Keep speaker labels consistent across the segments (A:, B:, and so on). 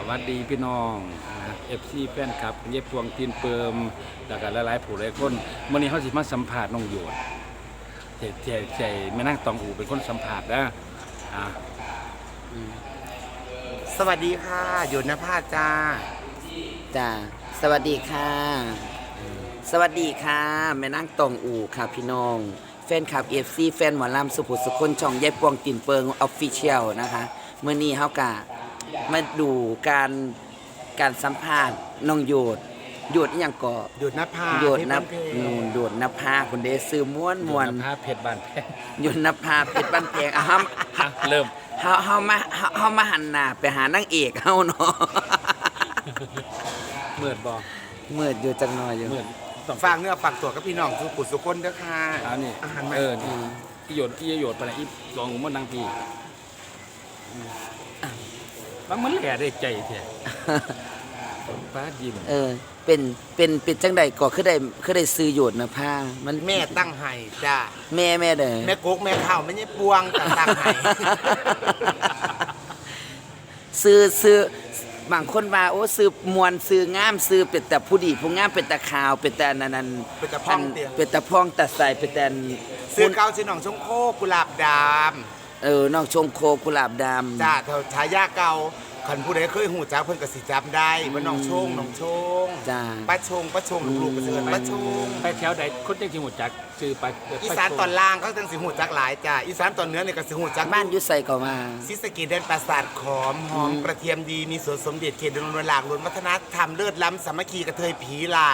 A: วัสดีพี่น้องFC แฟนคลับเย็บพวงตีนเปิมแล้วก็หลายๆผู้หลายคนวันนี้เขาสิมาสัมภาษณ์น้องโยดใจแม่นางตองอูเป็นคนสัมภาษณ์นะ
B: สวัสดีค่ะหยดนภาจ้า
C: จ้าสวัสดีค่ะสวัสดีค่ะแม่นางตองอูค่ะพี่น้องแฟนคลับ FC แฟนหมอลำสุภุสุคนช่องยายปวงตินเปิงออฟฟิเชียลนะคะเมื่อนี้เฮากะมาดูการสัมภาษณ์น้องโยดอหยังก่อ
B: หยดนภา
C: โยดนับนูนโยดนภาคนเดซื้อม้วน
A: ภาพเพชรบานแพง
C: โยดนภาเพชรบ้านแพง
A: เริ่ม
C: เฮามาหันหน้าไปหานางเอกเฮาเนาะ
A: เมื่อบ่
C: เมื่ออยู่จังน้อยอยู่
B: ฝากเนื้อฝากตัวกับพี่น้องสุขุสุคนเด้อค่ะ
A: นี่อาหารอีโยดไปไหนอีลองมันนางพี่บางมันแหล่ได้ใจแท้ป้ายิ้ม
C: เป็นจังใดก็คือได้ซื้อโยดนะผ้ามัน
B: แม่ตั้งให้จ้า
C: แม่เด้อ
B: แม่กกแม่ข้าวไม่ใช่ปวงแต่ตั้งให้
C: ซื้อบางคนว่าโอ้ซื้อมวนซื้องามซื้อเป็นแต่ผู้ดีผู้งามเป็นแต่ขาวเป็นแต่นั้น
B: เป็นแต่พ่อง
C: เป็นแต่พ่องแต่ใส่เป็นแต่
B: ซื้อเก่าซื้อหนองชงโคกุหลาบด
C: ำน้องชงโคกุหลาบดำ
B: จ้าฉายาเก่าคันผู้ใดเคยหูจักเพิ่นก็สิจำได้ว่าน้องชง
C: จ้า
B: ป้าชงลูกๆก็สิเอิ้นป้าชง
A: ไปแถวใดคนจังสิหูจักชื่อป้า
B: อีสานตอนล่างก็จังสิหูจักหลายจ้าอีสานตอนเหนือนี่ก็สิหูจัก
C: บ้านอยู่ไสก็มา
B: ศรีสะเกษแดนปราสาทขอมหอมกระเทียมดีมีสวนสมเด็จเขตดงหลากล้วนวัฒนธรรมเลิศล้ำสามัคคีกระเทยผีหลาก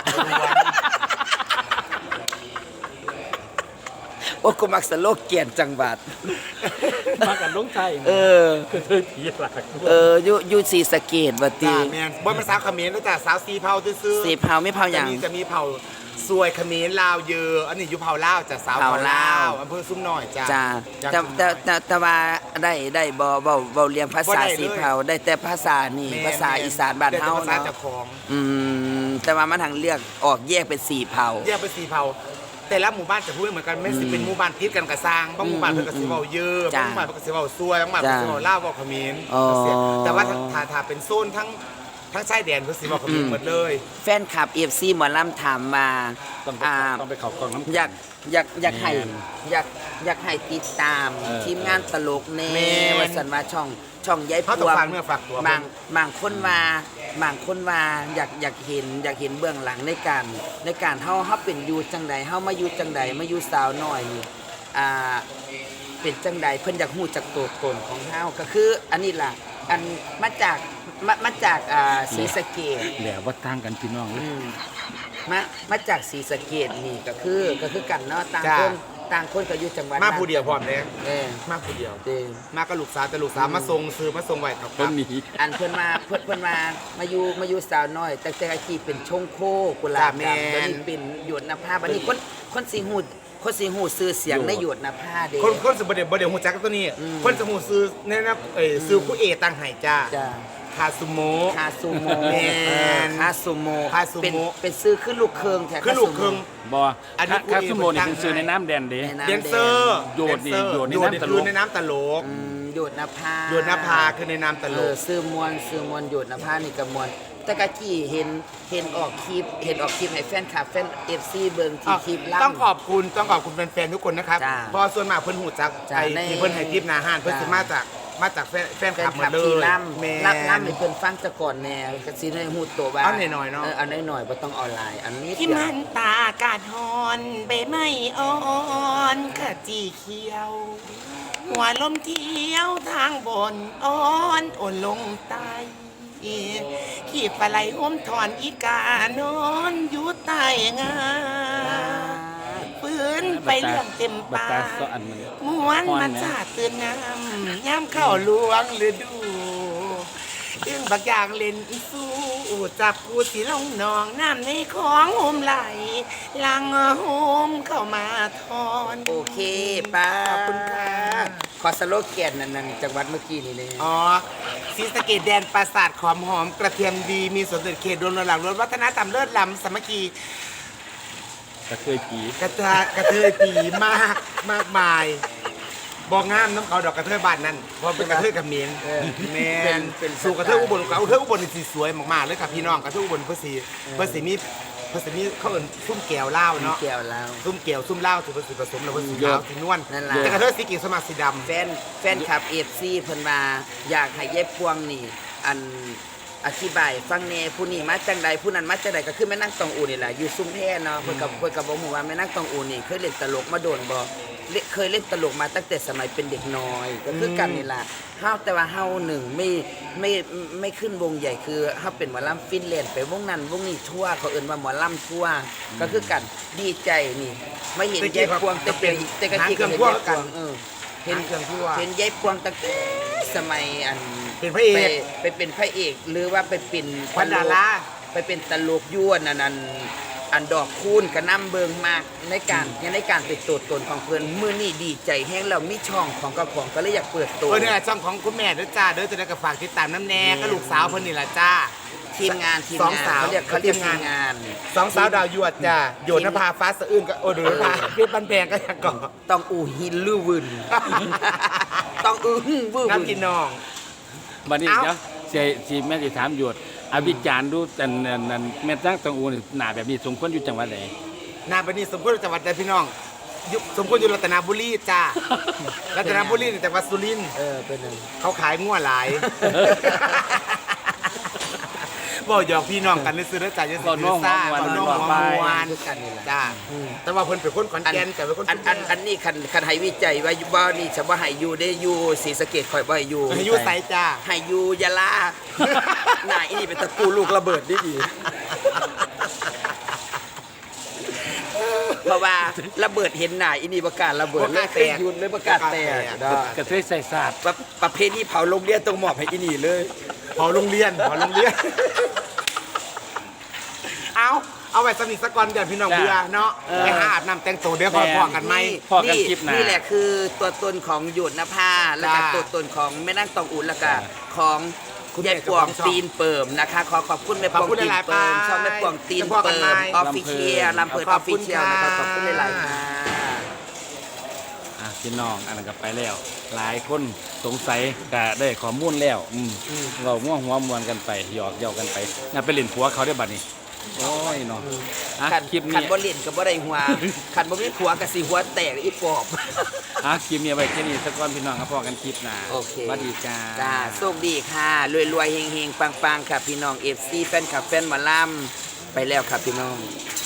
C: โอ้กูมักสโลแกนจังหวัด
A: มากันลงไทยกระเทยผีหลาก
C: อยู่ศรีสะเกษบ่ติ
B: แม่นบ่เป็นสาวเขมรเด้อจ้าสาวสีเผาซื่อ
C: สีเผาไม่เผาหยัง
B: จะมีเผาสวยเขมรลาวเยอะอันนี้อยู่เผาลาวจ้ะสาวเผาลาวอำเภอซุ้มน้อยจ้า
C: แต่ว่าได้บ่เรียนภาษาสีเผาได้แต่ภาษานี่ภาษาอีสานบ้านเฮาเนาะแต่ว่ามันทางเลือกออกแยกเป็นสีเผา
B: แยกเป็นสีเผาแต่ละหมู่บ้านจะพูดเหมือนกันไม่สิเป็นหมู่บ้านติดกันกระซางบางหมู่บ้านเพิ่นก็สิเว้าเยอะบางหมู่บ้านเพิ่นก็สิเว้าซวยบางหมู่บ้านเพิ่นสิเว้าลาวเว้าเขมรแต่ว่าถ้าเป็นโซนทั้งชายแดนเพิ่นสิเว้าเขมรหมดเลย
C: แฟนคลับ FC หมอลำถามมา
A: ต้องไปเข้ากล่องน้ำ
C: อยากให้ติดตามทีมงานตลกแน่ว่าซั่นว่าช่องยายพวงบางคนว่าอยากเห็นเบื้องหลังในการเฮาเป็นอยู่จังใดเฮามาอยู่จังใดมาอยู่สาวน้อยนี่เป็นจังใดเพิ่นอยากฮู้จักตัวตนของเฮาก็คืออันนี้ล่ะอันมาจากศรีสะเกษ
A: แล้วว่าต่างกันพี่น้อง
C: มาจากศรีสะเกษนี่ก็คือกันเนาะต่างคนก็อยู่จังหวัด
B: มาผู้เดียวพร้อมแล้วมาผู้เดียวมากับลูกสาวแต่ลูกสาวมาส่งไว้ครับ
C: อันเพิ่นมาอยู่สาวน้อยแต่อาชีพเป็นชงโคกุหลาบดำตอนนี้เป็นหยดนภาบัดนี้คนสิฮู้ซื้อเสียงในหยดนภาเด้
B: คนสิบ่ได้ฮู้จักตัวนี้คนสิฮู้ซื้อแนะนำซื้อผู้เอตั้งให้จ้าคาซูโม
C: แม่นคาซูโมเป็นซื้อขึ้นลูกเคิงแท้
B: ขึ้นลูกเคิง
A: บ่คาซูโมนี่เป็นซื้อในน้ำแดนเด้
B: แดนเซอร์
A: โยดใน
B: น้ำตลก
C: โยดนภา
B: คือในน้ำตลก
C: ซื้อมวลโยดนภานี่ก็มวลแต่กะกี้เห็นออกคลิปให้แฟนคลับแฟน FC เบิ่งที่คลิปล่
B: ำต้องขอบคุณแฟนๆทุกคนนะครับเพราะส่วนมากเพิ่นฮู้จักไอ้ที่เพิ่นให้ทิปหน้าห้านเพิ่นสิมาจากแฟนคลับหมดเลย
C: ล่ำให้เพิ่นฟังซะก่อนแน่ก็สิได้ฮู้ตัวว่า
B: เอาหน่อยๆเนาะ
C: เอาหน่อยๆบ่ต้องออนไลน์อันนี้
B: ที่มันตากาดฮอนใบไม้อ่อนขจีเขียวหัวลมเที่ยวทางบนอ่อนลงใต้ขี่ปลาไหลอมถอนอีกานอนอยู่ใต้งาปืนไปเรื่องเต็มปากม้วนมันชาตื่นน้ำย่ำเข้าลวงฤดูตึงบักอย่างเล่นสู้จับกูสิลงหนองน้ำในของโฮมไหลลังโฮมเข้ามาทอน
C: โอเคป้าขอบคุณค่ะขอสโลแกนนั่นจังหวัดเมื่อกี้นี่เลย
B: ศรีสะเกษแดนปราสาทขอมหอมกระเทียมดีมีสวนเด็จเขตดงหลากล้วนวัฒนธรรมเลิศล้ำสามัคคี
A: กระเทยผี
B: มากมายบอกงามน้ำเขาดอกกระเทยบ้านนั่นเพราะเป็นกระเทยกับเมียนแมนสู่กระเทยอุบลกระเทยอุบลนี่สีสวยมากๆเลยค่ะพี่น้องกระเทยอุบลเพื่อสีนี้เขาเอิ้นซุ่มแก้วเหล้าเนาะ
C: แก้วแล้ว
B: ซุ่มแก้วซุ่มเหล้าถือเป็นสีผสมแล้วเป็นสีขาวสีนวล
C: นั่นล่ะ
B: แต่กระเทยสีเขียวสมัครสีดำ
C: แฟนคลับ FC เพิ่นว่าอยากให้เย็บพวงนี่อันอธิบายฟังแน่ผู้นี้มาจังใดผู้นั้นมาจังใดก็คือแม่นางตองอูนี่แหละอยู่ซุ่มแท้เนาะเพิ่นก็บ่ฮู้ว่าแม่นางตองอูนี่เคยเล่นตลกมาโดนบ่เคยเล่นตลกมาตั้งแต่สมัยเป็นเด็กน้อยก็คือกันนี่ล่ะเฮาแต่ว่าเฮาหนึ่งไม่ขึ้นวงใหญ่คือเฮาเป็นหมอลำฟินแลนด์ไปวงนั้นวงนี้ทั่วเขาเอิ้นว่าหมอลำทั่วก็คือกันดีใจนี่ไม่เห็นแยกพวงแต่กะกี้ก็เห็นแยกพวงเห็นยายพวงตั้งแต่สมัยอัน
B: เป็นพระเอก
C: ไปเป็นพระเอกหรือว่าไปเป็น
B: ขวัญดารา
C: ไปเป็นตลกยั่วอันดอกคูณกระนำเบิงมากในการเป็นตัวตนของเพื่อนมือนี่ดีใจแห้งเรามีช่องของกระของก็เลยอยากเปิดตัว
B: เนี่ยช่องของคุณแม่ด้วยจ้าเด้อจะได้กับฝากติดตามน้ำแน่ก็ลูกสาวเพิ่นนี่แหละจ้า
C: ทีมงาน
B: สองสาว
C: เขาเรียกทีมงาน
B: สองสาวดาวยวดจ้าโยนภาฟ้าสะอื้นก็โอ้ดูนภาเพชรบันแพงก็ยังก่อ
C: ต้องอูหินลือวึน ต้องอื้อวื้อ
B: น้ำ
C: วึ
B: กิน
C: น
B: น้อง
A: บัดนี้
B: เอ้า
A: เดี๋ยวสิแม่สิถามหยวดอวิจารณ์ดูแต่นั่นแม่นางตองอูนี่หน้าแบบนี้สมควรอยู่จังหวัดใด
B: นาบันนี้สมควรจังหวัดใดพี่น้องสมควรอยู่รัตนบุรีจ้ารัตนบุรีนี่จังหวัดสุรินทร์
C: เป็นหนึ่ง
B: เขาขายงัวหลายบอกหยอกพี่น้องกันซื้อแล้วจ่ายจะซื้อซ่าบอกน้องหัวมวนจ้าแต่ว่าเพิ่นเป็นคนขอนแก่นแต่เป็นคน
C: อันนี้คันให้วิจัยว่าบ่นี่จะบ่ให้อยู่ได้อยู่ศรีสะเกษข่อยบ่ให้อยู่
B: อายุไสจ้า
C: ให้อยู่ยะลา หน้าอีนี่เป็นตะกูลูกระเบิดดีเพราะว่าระเบิดเห็นหน้าอีนี่ประกล้าศระเบิดเลยเคยยุนเลยประกาศแตก
A: กระเทยใส่ศาสตร์
C: ประเพณีเผาโรงเรียนต้องมอบให้อีนี่เลย
B: พอโรงเรียนเอาไว้สนิทสักก่อนเดี๋ยวพี่น้องเบื่อเนาะไปหาอาบน้ำแต่งตัวเดี๋ยวพอกันไหม
A: พอกันคลิปหน้า
C: นี่แหละคือตัวตนของหยุดนภาแล้วก็
B: จ้า
C: ตัวตนของแม่นางตองอุ่นแล้วก็ของ
B: คุณแม่
C: ยายปวง
B: เจ้าของช่อง
C: ตีนเปิ่มนะคะขอขอบคุณแม่ปวง
B: ขอบคุณ
C: ตีน
B: หลายๆ
C: เปิ่ม
B: ไป
C: ช่องแม่ปวงตีน
B: จะพอกัน
C: เปิ่
B: ไหม
C: มออฟฟิเชียลลำเพิร์ดอ
B: ข
C: อ
B: อบ
C: ฟ
B: คุ
C: ฟิ
B: ณ
C: เชียลนะครับขอบคุณหลายๆ
B: ค่ะ
C: ค่ะ
A: พี่น้องอันนั้นก็ไปแล้ว หลายคนสงสัยก็ได้ข้อมูลแล้วเราม่วงหัวมวนกันไปหยอกเย้ากันไปน่าไปเล่นผัวเขาได้บัดนี้โอ้ยเนาะอ่ะ
C: ขัน
A: คลิป
C: ขัน
A: นี้
C: บ่เล่นกับบ่ได้หัวขันบ่มีผัวกับสิหัวแตกอีปอบ
A: คลิปนี้เอาไว้แค่นี้สักก่อนพี่น้องครับพอกันคลิปหน้า
C: โอเค
A: สวัสดีจ้า
C: จ้าโชคดีค่ะรวยๆเฮงๆปังๆค่ะพี่น้อง FC แฟนคลับแฟนหมอลำไปแล้วครับพี่น้อง